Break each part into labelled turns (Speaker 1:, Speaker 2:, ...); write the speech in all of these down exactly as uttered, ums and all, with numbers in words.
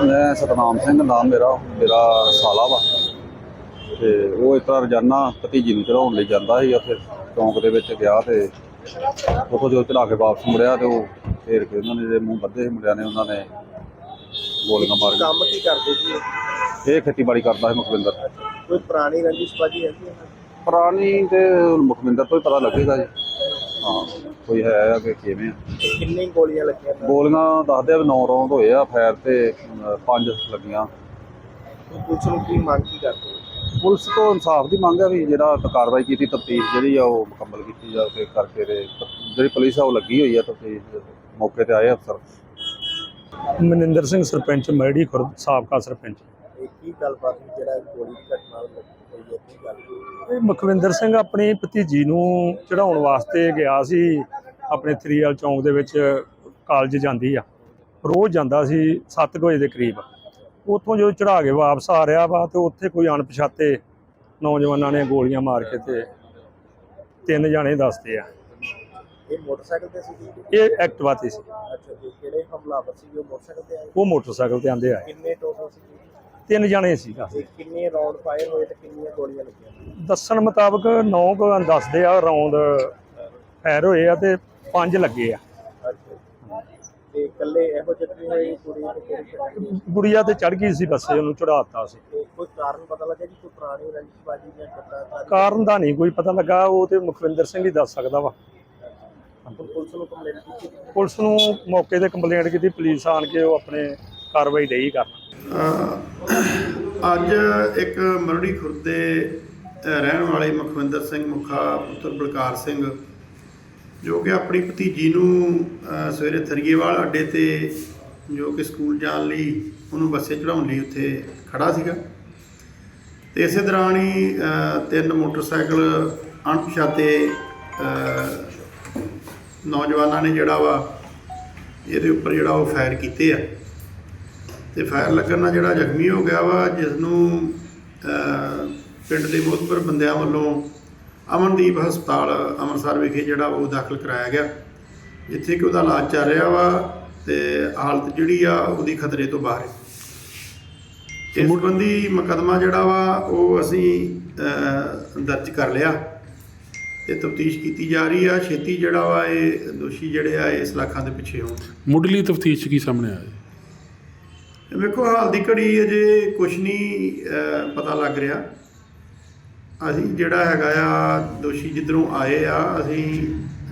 Speaker 1: मैं सतनाम सिंह नाम मेरा मेरा साला वा ते वो इस तरह रोजाना भतीजी ਨੂੰ ਚੜਾਉਣ ਲਈ ਜਾਂਦਾ ਸੀ ਉੱਥੇ ਚੌਂਕ ਦੇ ਵਿੱਚ ਗਿਆ ਤੇ ਉੱਥੋਂ ਜਦੋਂ ਚੜਾ ਕੇ ਵਾਪਸ ਮੁੜਿਆ ਤੇ ਉਹ ਫੇਰ ਕੇ ਉਹਨਾਂ ਨੇ ਜਿਹੜੇ ਮੂੰਹ ਬੱਧੇ ਸੀ ਮੁੰਡਿਆਂ ਨੇ ਉਹਨਾਂ ਨੇ ਗੋਲੀਆਂ ਮਾਰ ਕੇ।
Speaker 2: ਕੰਮ ਕੀ ਕਰਦੇ ਜੀ ਇਹ?
Speaker 1: ਇਹ ਖੇਤੀਬਾੜੀ ਕਰਦਾ ਸੀ ਮੁਖਵਿੰਦਰ।
Speaker 2: ਕੋਈ ਪੁਰਾਣੀ ਰੰਜਿਸ਼ਬਾਜੀ ਹੈਗੀ ਹੈ?
Speaker 1: ਪੁਰਾਣੀ ਤੇ ਮੁਖਵਿੰਦਰ ਤੋਂ ਹੀ ਪਤਾ ਲੱਗੇਗਾ ਜੀ। ਹਾਂ ਕੋਈ ਹੈ ਆ ਕਿ ਕਿਵੇਂ ਆ।
Speaker 2: ਕਿੰਨੀ ਗੋਲੀਆਂ ਲੱਗੀਆਂ?
Speaker 1: ਗੋਲੀਆਂ ਦੱਸਦੇ ਆ ਵੀ ਨੌ ਰੌਂਦ ਹੋਏ ਆ ਫਾਇਰ ਤੇ ਅ, ਪੰਜ ਲੱਗੀਆਂ।
Speaker 2: ਪੁਲਿਸ ਨੂੰ ਕੀ ਮੰਗ ਕੀ ਕਰਦੇ?
Speaker 1: ਪੁਲਿਸ ਤੋਂ ਇਨਸਾਫ ਦੀ ਮੰਗ ਹੈ ਵੀ ਜਿਹੜਾ ਕਾਰਵਾਈ ਕੀਤੀ ਤਫਤੀਸ਼ ਜਿਹੜੀ ਆ ਉਹ ਮੁਕੰਮਲ ਕੀਤੀ ਜਾਵੇ ਕਰਕੇ ਤੇ ਜਿਹੜੀ ਪੁਲਿਸ ਆ ਉਹ ਲੱਗੀ ਹੋਈ ਆ ਤਫਤੀਸ਼ ਮੌਕੇ ਤੇ ਆਏ ਅਫਸਰ।
Speaker 3: ਮਨਿੰਦਰ ਸਿੰਘ ਸਰਪੰਚ ਮੈੜੀ ਖੁਰਦ ਸਾਬਕਾ ਸਰਪੰਚ।
Speaker 2: ਇਹ ਕੀ ਗੱਲਬਾਤ ਸੀ ਜਿਹੜਾ ਗੋਲੀ ਦੀ ਘਟਨਾ ਹੋਈ ਹੈ? ਕੀ ਗੱਲ?
Speaker 3: ਇਹ ਮੁਖਵਿੰਦਰ ਸਿੰਘ ਆਪਣੀ ਭਤੀਜੀ ਨੂੰ ਚੜਾਉਣ ਵਾਸਤੇ ਗਿਆ ਸੀ ਆਪਣੇ ਥਰੀਵਾਲ ਚੌਂਕ ਦੇ ਵਿੱਚ। ਕਾਲਜ ਜਾਂਦੀ ਆ, ਰੋਜ਼ ਜਾਂਦਾ ਸੀ ਸੱਤ ਕੁ ਵਜੇ ਦੇ ਕਰੀਬ। ਉੱਥੋਂ ਜਦੋਂ ਚੜਾ ਕੇ ਵਾਪਸ ਆ ਰਿਹਾ ਵਾ ਤੇ ਉੱਥੇ ਕੋਈ ਅਣਪਛਾਤੇ ਨੌਜਵਾਨਾਂ ਨੇ ਗੋਲੀਆਂ ਮਾਰ ਕੇ ਤੇ ਤਿੰਨ ਜਾਣੇ ਦੱਸਦੇ ਆ।
Speaker 2: ਇਹ ਮੋਟਰਸਾਈਕਲ ਤੇ ਸੀ?
Speaker 3: ਇਹ ਐਕਟਿਵਾ ਤੇ ਸੀ।
Speaker 2: ਅੱਛਾ ਜੀ। ਕਿਹੜੇ ਹਮਲਾਵਰ ਸੀ ਜੋ ਮੋਟਰਸਾਈਕਲ ਤੇ ਆਏ?
Speaker 3: ਉਹ ਮੋਟਰਸਾਈਕਲ ਤੇ ਆਂਦੇ ਆਏ।
Speaker 2: ਕਿੰਨੇ ਟੋਟਲ ਸੀ?
Speaker 3: ਤਿੰਨ ਜਾਣੇ ਸੀ।
Speaker 2: ਤੇ ਕਿੰਨੇ ਰਾਉਂਡ ਫਾਇਰ ਹੋਏ ਤੇ ਕਿੰਨੀਆਂ ਗੋਲੀਆਂ ਲੱਗੀਆਂ?
Speaker 3: ਦੱਸਣ ਮੁਤਾਬਕ ਨੌ ਕੁ ਦੱਸਦੇ ਆ ਰੌਂਦ ਫਾਇਰ ਹੋਏ ਆ ਤੇ ਪੰਜ ਲੱਗੇ ਆ।
Speaker 2: ਅੱਛਾ। ਤੇ ਇਕੱਲੇ ਇਹੋ ਜਿਹੀ ਹੋਈ ਕੁੜੀ ਤੇ ਕਿਹੜੀ?
Speaker 3: ਗੁੜੀਆ ਤੇ ਚੜ ਗਈ ਸੀ ਬੱਸੇ, ਉਹਨੂੰ ਚੜਾਤਾ ਸੀ।
Speaker 2: ਤੇ ਕੋਈ ਕਾਰਨ ਪਤਾ ਲੱਗਾ ਜੀ? ਕੋਈ ਪੁਰਾਣੀ ਰੰਜਿਸ਼ਬਾਜੀ ਜਾਂ ਕਿੱਦਾਂ?
Speaker 3: ਕਾਰਨ ਦਾ ਨਹੀਂ ਕੋਈ ਪਤਾ ਲੱਗਾ, ਉਹ ਤੇ ਮੁਖਵਿੰਦਰ ਸਿੰਘ ਹੀ ਦੱਸ ਸਕਦਾ ਵਾ।
Speaker 2: ਪੁਲਿਸ ਨੂੰ ਕੰਪਲੇਂਟ ਕੀਤੀ?
Speaker 3: ਪੁਲਿਸ ਨੂੰ ਮੌਕੇ ਤੇ ਕੰਪਲੇਂਟ ਕੀਤੀ, ਪੁਲਿਸ ਆਣ ਕੇ ਉਹ ਆਪਣੇ ਕਾਰਵਾਈ ਡਈ ਕਰਨ।
Speaker 4: ਅੱਜ ਇੱਕ ਮਰੜੀ ਖੁਰਦ ਦੇ ਰਹਿਣ ਵਾਲੇ ਮੁਖਵਿੰਦਰ ਸਿੰਘ ਮੁਖਾ ਪੁੱਤਰ ਬਲਕਾਰ ਸਿੰਘ, ਜੋ ਕਿ ਆਪਣੀ ਭਤੀਜੀ ਨੂੰ ਸਵੇਰੇ ਥਰੀਏਵਾਲ ਅੱਡੇ ਤੇ ਜੋ ਕਿ ਸਕੂਲ ਜਾਣ ਲਈ ਉਹਨੂੰ ਬੱਸੇ ਚੜਾਉਣ ਲਈ ਉੱਥੇ ਖੜਾ ਸੀਗਾ, ਤੇ ਇਸੇ ਦੌਰਾਨ ਹੀ ਤਿੰਨ ਮੋਟਰਸਾਈਕਲ ਅਣਪਛਾਤੇ ਨੌਜਵਾਨਾਂ ਨੇ ਜਿਹੜਾ ਵਾ ਇਹਦੇ ਉੱਪਰ ਜਿਹੜਾ ਉਹ ਫਾਇਰ ਕੀਤੇ ਆ, ਤੇ ਫਾਇਰ ਲੱਗਣ ਨਾਲ ਜਿਹੜਾ ਜ਼ਖਮੀ ਹੋ ਗਿਆ ਵਾ, ਜਿਸ ਨੂੰ ਪਿੰਡ ਦੇ ਮੋਹਤਬਰ ਬੰਦਿਆਂ ਵੱਲੋਂ ਅਮਨਦੀਪ ਹਸਪਤਾਲ ਅੰਮ੍ਰਿਤਸਰ ਵਿਖੇ ਜਿਹੜਾ ਉਹ ਦਾਖਲ ਕਰਾਇਆ ਗਿਆ, ਜਿੱਥੇ ਕਿ ਉਹਦਾ ਇਲਾਜ ਚੱਲ ਰਿਹਾ ਵਾ ਤੇ ਹਾਲਤ ਜਿਹੜੀ ਆ ਉਹਦੀ ਖਤਰੇ ਤੋਂ ਬਾਹਰ ਹੈ। ਇਸ ਸੰਬੰਧੀ ਮੁਕੱਦਮਾ ਜਿਹੜਾ ਵਾ ਉਹ ਅਸੀਂ ਦਰਜ ਕਰ ਲਿਆ ਤੇ ਤਫਤੀਸ਼ ਕੀਤੀ ਜਾ ਰਹੀ ਆ। ਛੇਤੀ ਜਿਹੜਾ ਵਾ ਇਹ ਦੋਸ਼ੀ ਜਿਹੜੇ ਆ ਇਸ ਲਾਖਾਂ ਦੇ ਪਿੱਛੇ ਹੋਣ।
Speaker 5: ਮੁੱਢਲੀ ਤਫਤੀਸ਼ ਕੀ ਸਾਹਮਣੇ ਆਇਆ?
Speaker 4: ਵੇਖੋ ਹਾਲ ਦੀ ਘੜੀ ਅਜੇ ਕੁਛ ਨਹੀਂ ਪਤਾ ਲੱਗ ਰਿਹਾ। ਅਸੀਂ ਜਿਹੜਾ ਹੈਗਾ ਆ ਦੋਸ਼ੀ ਜਿੱਧਰੋਂ ਆਏ ਆ, ਅਸੀਂ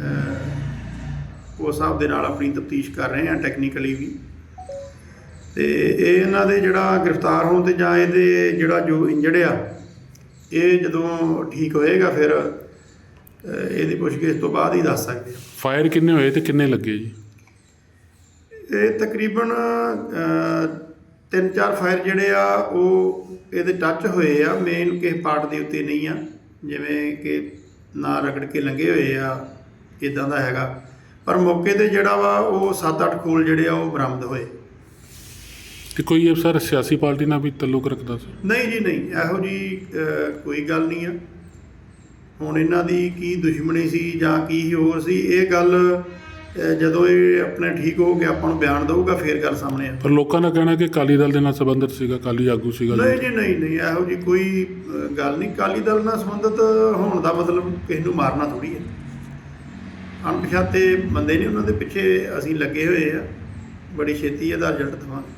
Speaker 4: ਉਸ ਹਿਸਾਬ ਦੇ ਨਾਲ ਆਪਣੀ ਤਫਤੀਸ਼ ਕਰ ਰਹੇ ਹਾਂ ਟੈਕਨੀਕਲੀ ਵੀ, ਤੇ ਇਹ ਇਹਨਾਂ ਦੇ ਜਿਹੜਾ ਗ੍ਰਿਫਤਾਰ ਹੋਣ ਤੇ ਜਾਂ ਇਹਦੇ ਜਿਹੜਾ ਜੋ ਇੰਜਰਡ ਆ ਇਹ ਜਦੋਂ ਠੀਕ ਹੋਏਗਾ ਫਿਰ ਇਹਦੀ ਪੁੱਛਗਿੱਛ ਤੋਂ ਬਾਅਦ ਹੀ ਦੱਸ ਸਕਦੇ ਹਾਂ।
Speaker 5: ਫਾਇਰ ਕਿੰਨੇ ਹੋਏ ਤੇ ਕਿੰਨੇ ਲੱਗੇ ਜੀ?
Speaker 4: ਇਹ ਤਕਰੀਬਨ ਤਿੰਨ ਚਾਰ ਫਾਇਰ ਜਿਹੜੇ ਆ ਉਹ ਇਹਦੇ ਟੱਚ ਹੋਏ ਆ, ਮੇਨ ਕਿਸੇ ਪਾਰਟ ਦੇ ਉੱਤੇ ਨਹੀਂ ਆ, ਜਿਵੇਂ ਕਿ ਨਾ ਰਗੜ ਕੇ ਲੰਘੇ ਹੋਏ ਆ ਇੱਦਾਂ ਦਾ ਹੈਗਾ, ਪਰ ਮੌਕੇ 'ਤੇ ਜਿਹੜਾ ਵਾ ਉਹ ਸੱਤ ਅੱਠ ਖੋਲ ਜਿਹੜੇ ਆ ਉਹ ਬਰਾਮਦ ਹੋਏ।
Speaker 5: ਤੇ ਕੋਈ ਇਹ ਸਰ ਸਿਆਸੀ ਪਾਰਟੀ ਨਾਲ ਵੀ ਤਾਲੁਕ ਰੱਖਦਾ ਸੀ?
Speaker 4: ਨਹੀਂ ਜੀ ਨਹੀਂ, ਇਹੋ ਜੀ ਕੋਈ ਗੱਲ ਨਹੀਂ ਆ। ਹੁਣ ਇਹਨਾਂ ਦੀ ਕੀ ਦੁਸ਼ਮਣੀ ਸੀ ਜਾਂ ਕੀ ਹੋਰ ਸੀ, ਇਹ ਗੱਲ ਜਦੋਂ ਇਹ ਆਪਣੇ ਠੀਕ ਹੋ ਕੇ ਆਪਾਂ ਨੂੰ ਬਿਆਨ ਦਊਗਾ ਫਿਰ ਗੱਲ ਸਾਹਮਣੇ ਆ।
Speaker 5: ਪਰ ਲੋਕਾਂ ਦਾ ਕਹਿਣਾ ਕਿ ਅਕਾਲੀ ਦਲ ਦੇ ਨਾਲ ਸੰਬੰਧਿਤ ਸੀਗਾ, ਅਕਾਲੀ ਆਗੂ ਸੀਗਾ।
Speaker 4: ਨਹੀਂ ਜੀ ਨਹੀਂ ਨਹੀਂ, ਇਹੋ ਜੀ ਕੋਈ ਗੱਲ ਨਹੀਂ। ਅਕਾਲੀ ਦਲ ਨਾਲ ਸੰਬੰਧਿਤ ਹੋਣ ਦਾ ਮਤਲਬ ਕਿਸੇ ਨੂੰ ਮਾਰਨਾ ਥੋੜ੍ਹੀ ਹੈ। ਅਣਪਛਾਤੇ ਬੰਦੇ ਨੇ, ਉਹਨਾਂ ਦੇ ਪਿੱਛੇ ਅਸੀਂ ਲੱਗੇ ਹੋਏ ਆ, ਬੜੀ ਛੇਤੀ ਇਹਦਾ ਰਿਜ਼ਲਟ ਦੇਵਾਂਗੇ।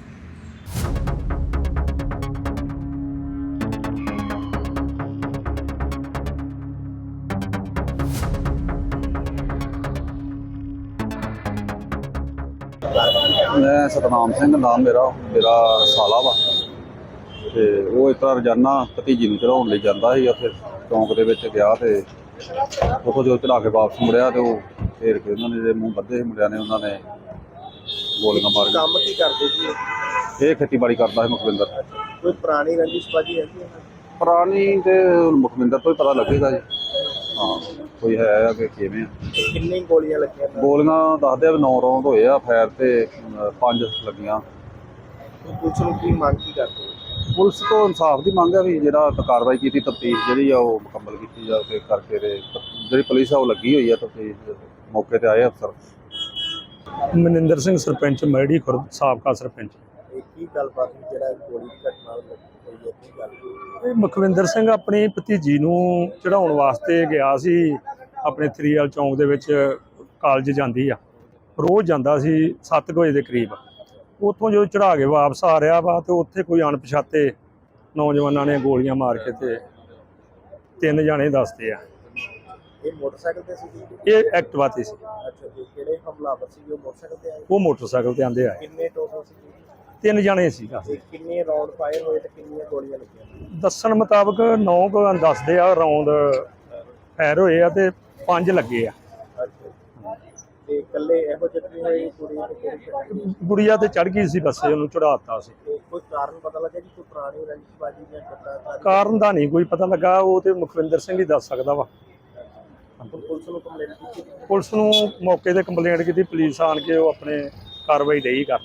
Speaker 1: ਮੈਂ ਸਤਨਾਮ ਸਿੰਘ ਨਾਮ ਮੇਰਾ ਮੇਰਾ ਸਾਲਾ ਵਾ ਤੇ ਉਹ ਇਸ ਤਰ੍ਹਾਂ ਰੋਜ਼ਾਨਾ ਭਤੀਜੀ ਨੂੰ ਚੜਾਉਣ ਲਈ ਜਾਂਦਾ ਸੀ ਉੱਥੇ ਚੌਂਕ ਦੇ ਵਿੱਚ ਗਿਆ ਤੇ ਉੱਥੋਂ ਜਦੋਂ ਚੜਾ ਕੇ ਵਾਪਸ ਮੁੜਿਆ ਤੇ ਉਹ ਫੇਰ ਕੇ ਉਹਨਾਂ ਨੇ ਜਿਹੜੇ ਮੂੰਹ ਬੱਧੇ ਸੀ ਮੁੰਡਿਆਂ ਨੇ ਉਹਨਾਂ ਨੇ ਗੋਲੀਆਂ ਮਾਰ ਕੇ।
Speaker 2: ਕੰਮ ਕੀ ਕਰਦੇ ਜੀ ਇਹ?
Speaker 1: ਇਹ ਖੇਤੀਬਾੜੀ ਕਰਦਾ ਸੀ ਮੁਖਵਿੰਦਰ।
Speaker 2: ਕੋਈ ਪੁਰਾਣੀ ਰੰਜਿਸ਼ਬਾਜੀ ਹੈਗੀ ਹੈ?
Speaker 1: ਪੁਰਾਣੀ ਤੇ ਮੁਖਵਿੰਦਰ ਤੋਂ ਹੀ ਪਤਾ ਲੱਗੇਗਾ ਜੀ। ਹਾਂ ਕੋਈ ਹੈ ਆ ਕਿ ਕਿਵੇਂ ਆ।
Speaker 2: ਕਿੰਨੀ ਗੋਲੀਆਂ ਲੱਗੀਆਂ?
Speaker 1: ਗੋਲੀਆਂ ਦੱਸਦੇ ਆ ਵੀ ਨੌ ਰੌਂਦ ਹੋਏ ਆ ਫਾਇਰ ਤੇ ਪੰਜ ਲੱਗੀਆਂ।
Speaker 2: ਪੁਲਿਸ ਨੂੰ ਕੀ ਮੰਗ ਕੀ ਕਰਦੇ?
Speaker 1: ਪੁਲਿਸ ਤੋਂ ਇਨਸਾਫ ਦੀ ਮੰਗ ਹੈ ਵੀ ਜਿਹੜਾ ਕਾਰਵਾਈ ਕੀਤੀ ਤਫਤੀਸ਼ ਜਿਹੜੀ ਆ ਉਹ ਮੁਕੰਮਲ ਕੀਤੀ ਜਾਵੇ ਕਰਕੇ ਤੇ ਜਿਹੜੀ ਪੁਲਿਸ ਆ ਉਹ ਲੱਗੀ ਹੋਈ ਆ ਤਫਤੀਸ਼ ਮੌਕੇ ਤੇ ਆਏ ਅਫਸਰ।
Speaker 3: ਮਨਿੰਦਰ ਸਿੰਘ ਸਰਪੰਚ ਮੈੜੀ ਖੁਰਦ ਸਾਬਕਾ ਸਰਪੰਚ।
Speaker 2: ਇਹ ਕੀ ਕੀ ਗੱਲਬਾਤ ਹੋਈ ਜਿਹੜਾ ਗੋਲੀ ਦੀ ਘਟਨਾ ਹੋਈ ਹੈ ਕੀ ਗੱਲ
Speaker 3: ਇਹ ਮੁਖਵਿੰਦਰ ਸਿੰਘ ਆਪਣੀ ਭਤੀਜੀ ਨੂੰ ਚੜਾਉਣ ਵਾਸਤੇ ਗਿਆ ਸੀ ਆਪਣੇ ਥਰੀਅਲ ਚੌਂਕ ਦੇ ਵਿੱਚ ਕਾਲਜ ਜਾਂਦੀ ਆ ਰੋਜ਼ ਜਾਂਦਾ ਸੀ ਸੱਤ ਵਜੇ ਦੇ ਕਰੀਬ ਉੱਥੋਂ ਜਦੋਂ ਚੜਾ ਕੇ ਵਾਪਸ ਆ ਰਿਹਾ ਵਾ ਤੇ ਉੱਥੇ ਕੋਈ ਅਣਪਛਾਤੇ ਨੌਜਵਾਨਾਂ ਨੇ ਗੋਲੀਆਂ ਮਾਰ ਕੇ ਤੇ ਤਿੰਨ ਜਾਣੇ ਦੱਸਦੇ ਆ।
Speaker 2: ਇਹ ਮੋਟਰਸਾਈਕਲ ਤੇ ਸੀ
Speaker 3: ਇਹ ਐਕਟਿਵਾ ਤੇ ਸੀ,
Speaker 2: ਅੱਛਾ ਜੀ ਕਿਹੜੇ ਹਮਲਾਵਰ ਸੀ ਉਹ ਮੋਟਰਸਾਈਕਲ ਤੇ ਆਏ
Speaker 3: ਉਹ ਮੋਟਰਸਾਈਕਲ ਤੇ ਆਂਦੇ ਆਏ।
Speaker 2: ਕਿੰਨੇ ਟੋਟਲ ਸੀ
Speaker 3: ਤਿੰਨ ਜਾਣੇ ਸੀ
Speaker 2: ਤੇ ਕਿੰਨੇ ਰਾਉਂਡ ਫਾਇਰ ਹੋਏ ਤੇ ਕਿੰਨੀਆਂ ਗੋਲੀਆਂ ਲੱਗੀਆਂ
Speaker 3: ਦੱਸਣ ਮੁਤਾਬਕ ਨੌ ਕੁ ਦੱਸਦੇ ਆ ਰਾਉਂਡ ਫਾਇਰ ਹੋਏ ਆ ਤੇ ਪੰਜ ਲੱਗੇ ਆ।
Speaker 2: ਅੱਛਾ ਤੇ ਇਕੱਲੇ ਇਹੋ ਜ਼ਖਮੀ ਹੋਏ ਕੁੜੀ ਤੇ ਕਿਹੜੀ ਘਟਨਾ?
Speaker 3: ਗੁੜੀਆ ਤੇ ਚੜ ਗਈ ਸੀ ਬੱਸੇ, ਉਹਨੂੰ ਚੜਾਤਾ ਸੀ।
Speaker 2: ਤੇ ਕੋਈ ਕਾਰਨ ਪਤਾ ਲੱਗਾ ਜੀ ਕੋਈ ਪੁਰਾਣੀ ਰੰਜਿਸ਼ਬਾਜੀ ਜਾਂ ਕਿੱਦਾਂ
Speaker 3: ਕਾਰਨ ਦਾ ਨਹੀਂ ਕੋਈ ਪਤਾ ਲੱਗਾ, ਉਹ ਤੇ ਮੁਖਵਿੰਦਰ ਸਿੰਘ ਹੀ ਦੱਸ ਸਕਦਾ ਵਾ।
Speaker 2: ਪੁਲਿਸ ਨੂੰ ਕੰਪਲੇਂਟ ਕੀਤੀ
Speaker 3: ਪੁਲਿਸ ਨੂੰ ਮੌਕੇ ਤੇ ਕੰਪਲੇਂਟ ਕੀਤੀ, ਪੁਲਿਸ ਆਣ ਕੇ ਉਹ ਆਪਣੇ ਕਾਰਵਾਈ ਡਈ ਕਰਨ।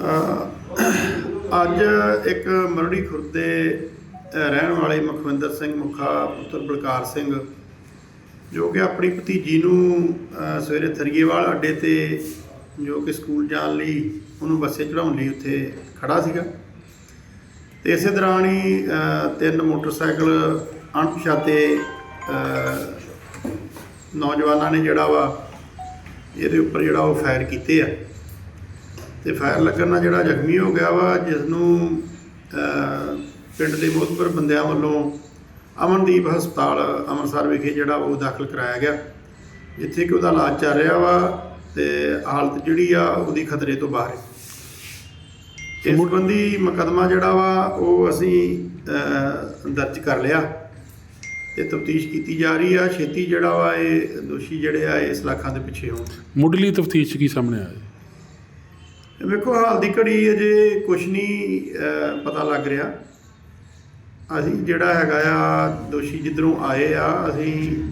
Speaker 4: ਅਹ ਅੱਜ ਇੱਕ ਮਰੜੀ ਖੁਰਦ ਦੇ ਰਹਿਣ ਵਾਲੇ ਮੁਖਵਿੰਦਰ ਸਿੰਘ ਮੁਖਾ ਪੁੱਤਰ ਬਲਕਾਰ ਸਿੰਘ ਜੋ ਕਿ ਆਪਣੀ ਭਤੀਜੀ ਨੂੰ ਅਹ ਸਵੇਰੇ ਥਰੀਏਵਾਲ ਅੱਡੇ ਤੇ ਜੋ ਕਿ ਸਕੂਲ ਜਾਣ ਲਈ ਉਹਨੂੰ ਬੱਸੇ ਚੜਾਉਣ ਲਈ ਉੱਥੇ ਖੜਾ ਸੀਗਾ ਤੇ ਇਸੇ ਦੌਰਾਨ ਹੀ ਅਹ ਤਿੰਨ ਮੋਟਰਸਾਈਕਲ ਅਣਪਛਾਤੇ ਅਹ ਨੌਜਵਾਨਾਂ ਨੇ ਜਿਹੜਾ ਵਾ ਇਹਦੇ ਉੱਪਰ ਜਿਹੜਾ ਉਹ ਫਾਇਰ ਕੀਤੇ ਆ ਤੇ ਫਾਇਰ ਲੱਗਣ ਨਾਲ ਜਿਹੜਾ ਜ਼ਖਮੀ ਹੋ ਗਿਆ ਵਾ, ਜਿਸ ਨੂੰ ਪਿੰਡ ਦੇ ਮੋਹਤਬਰ ਬੰਦਿਆਂ ਵੱਲੋਂ ਅਮਨਦੀਪ ਹਸਪਤਾਲ ਅੰਮ੍ਰਿਤਸਰ ਵਿਖੇ ਜਿਹੜਾ ਉਹ ਦਾਖਲ ਕਰਾਇਆ ਗਿਆ, ਜਿੱਥੇ ਕਿ ਉਹਦਾ ਇਲਾਜ ਚੱਲ ਰਿਹਾ ਵਾ ਤੇ ਹਾਲਤ ਜਿਹੜੀ ਆ ਉਹਦੀ ਖਤਰੇ ਤੋਂ ਬਾਹਰ ਹੈ। ਇਸ ਸੰਬੰਧੀ ਮੁਕੱਦਮਾ ਜਿਹੜਾ ਵਾ ਉਹ ਅਸੀਂ ਅਹ, ਦਰਜ ਕਰ ਲਿਆ ਤੇ ਤਫਤੀਸ਼ ਕੀਤੀ ਜਾ ਰਹੀ ਆ। ਛੇਤੀ ਜਿਹੜਾ ਵਾ ਇਹ ਦੋਸ਼ੀ ਜਿਹੜੇ ਆ ਇਸ ਲਾਖਾਂ ਦੇ ਪਿੱਛੇ ਹੋਣ।
Speaker 5: ਮੁੱਢਲੀ ਤਫਤੀਸ਼ ਕੀ ਸਾਹਮਣੇ ਆਇਆ?
Speaker 4: ਵੇਖੋ ਹਾਲ ਦੀ ਘੜੀ ਅਜੇ ਕੁਛ ਨਹੀਂ ਅਹ, ਪਤਾ ਲੱਗ ਰਿਹਾ। ਅਸੀਂ ਜਿਹੜਾ ਹੈਗਾ ਆ ਦੋਸ਼ੀ ਜਿੱਧਰੋਂ ਆਏ ਆ ਅਸੀਂ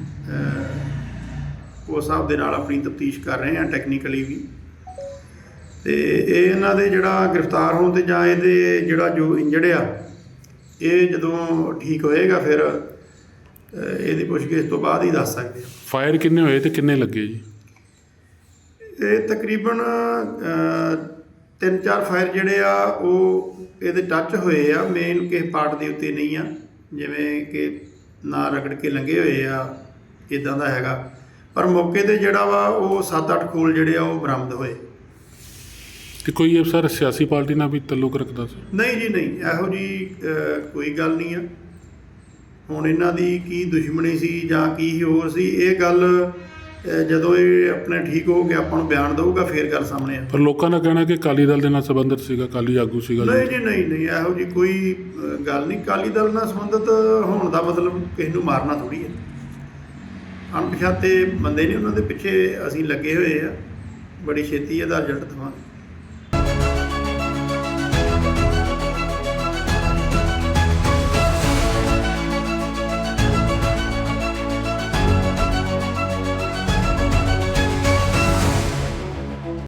Speaker 4: ਅਹ, ਉਸ ਹਿਸਾਬ ਦੇ ਨਾਲ ਆਪਣੀ ਤਫਤੀਸ਼ ਕਰ ਰਹੇ ਹਾਂ ਟੈਕਨੀਕਲੀ ਵੀ, ਤੇ ਇਹ ਇਹਨਾਂ ਦੇ ਜਿਹੜਾ ਗ੍ਰਿਫਤਾਰ ਹੋਣ ਤੇ ਜਾਂ ਇਹਦੇ ਜਿਹੜਾ ਜੋ ਇੰਜਰਡ ਆ ਇਹ ਜਦੋਂ ਠੀਕ ਹੋਏਗਾ ਫਿਰ ਅਹ, ਇਹਦੀ ਪੁੱਛਗਿੱਛ ਤੋਂ ਬਾਅਦ ਹੀ ਦੱਸ ਸਕਦੇ ਆ।
Speaker 5: ਫਾਇਰ ਕਿੰਨੇ ਹੋਏ ਤੇ ਕਿੰਨੇ ਲੱਗੇ ਜੀ?
Speaker 4: ਇਹ ਤਕਰੀਬਨ ਅਹ, ਤਿੰਨ ਚਾਰ ਫਾਇਰ ਜਿਹੜੇ ਆ ਉਹ ਇਹਦੇ ਟੱਚ ਹੋਏ ਆ, ਮੇਨ ਕਿਸੇ ਪਾਰਟ ਦੇ ਉੱਤੇ ਨਹੀਂ ਆ, ਜਿਵੇਂ ਕਿ ਨਾ ਰਗੜ ਕੇ ਲੰਘੇ ਹੋਏ ਆ ਇਦਾਂ ਦਾ ਹੈਗਾ, ਪਰ ਮੌਕੇ ਤੇ ਜਿਹੜਾ ਵਾ ਉਹ ਸੱਤ ਅੱਠ ਖੋਲ ਜਿਹੜੇ ਆ ਉਹ ਬਰਾਮਦ ਹੋਏ।
Speaker 5: ਤੇ ਕੋਈ ਅਫਸਰ ਸਿਆਸੀ ਪਾਰਟੀ ਨਾਲ ਵੀ ਤਾਲੁਕ ਰੱਖਦਾ ਸੀ?
Speaker 4: ਨਹੀਂ ਜੀ ਨਹੀਂ, ਇਹੋ ਜੀ ਕੋਈ ਗੱਲ ਨਹੀਂ ਆ। ਹੁਣ ਇਹਨਾਂ ਦੀ ਕੀ ਦੁਸ਼ਮਣੀ ਸੀ ਜਾਂ ਕੀ ਹੋਰ ਸੀ, ਇਹ ਗੱਲ ਜਦੋਂ ਇਹ ਆਪਣੇ ਠੀਕ ਹੋ ਕੇ ਆਪਾਂ ਨੂੰ ਬਿਆਨ ਦਊਗਾ ਫੇਰ ਗੱਲ ਸਾਹਮਣੇ ਆ।
Speaker 5: ਪਰ ਲੋਕਾਂ ਦਾ ਕਹਿਣਾ ਕਿ ਅਕਾਲੀ ਦਲ ਦੇ ਨਾਲ ਸੰਬੰਧਿਤ ਸੀਗਾ, ਅਕਾਲੀ ਆਗੂ ਸੀਗਾ।
Speaker 4: ਨਹੀਂ ਜੀ ਨਹੀਂ ਨਹੀਂ, ਇਹੋ ਜੀ ਕੋਈ ਗੱਲ ਨਹੀਂ। ਅਕਾਲੀ ਦਲ ਨਾਲ ਸੰਬੰਧਿਤ ਹੋਣ ਦਾ ਮਤਲਬ ਕਿਸੇ ਨੂੰ ਮਾਰਨਾ ਥੋੜੀ ਹੈ। ਅਣਪਛਾਤੇ ਬੰਦੇ ਨੇ, ਉਹਨਾਂ ਦੇ ਪਿੱਛੇ ਅਸੀਂ ਲੱਗੇ ਹੋਏ ਆ, ਬੜੀ ਛੇਤੀ ਇਹਦਾ ਰਿਜ਼ਲਟ ਦੇਵਾਂਗੇ।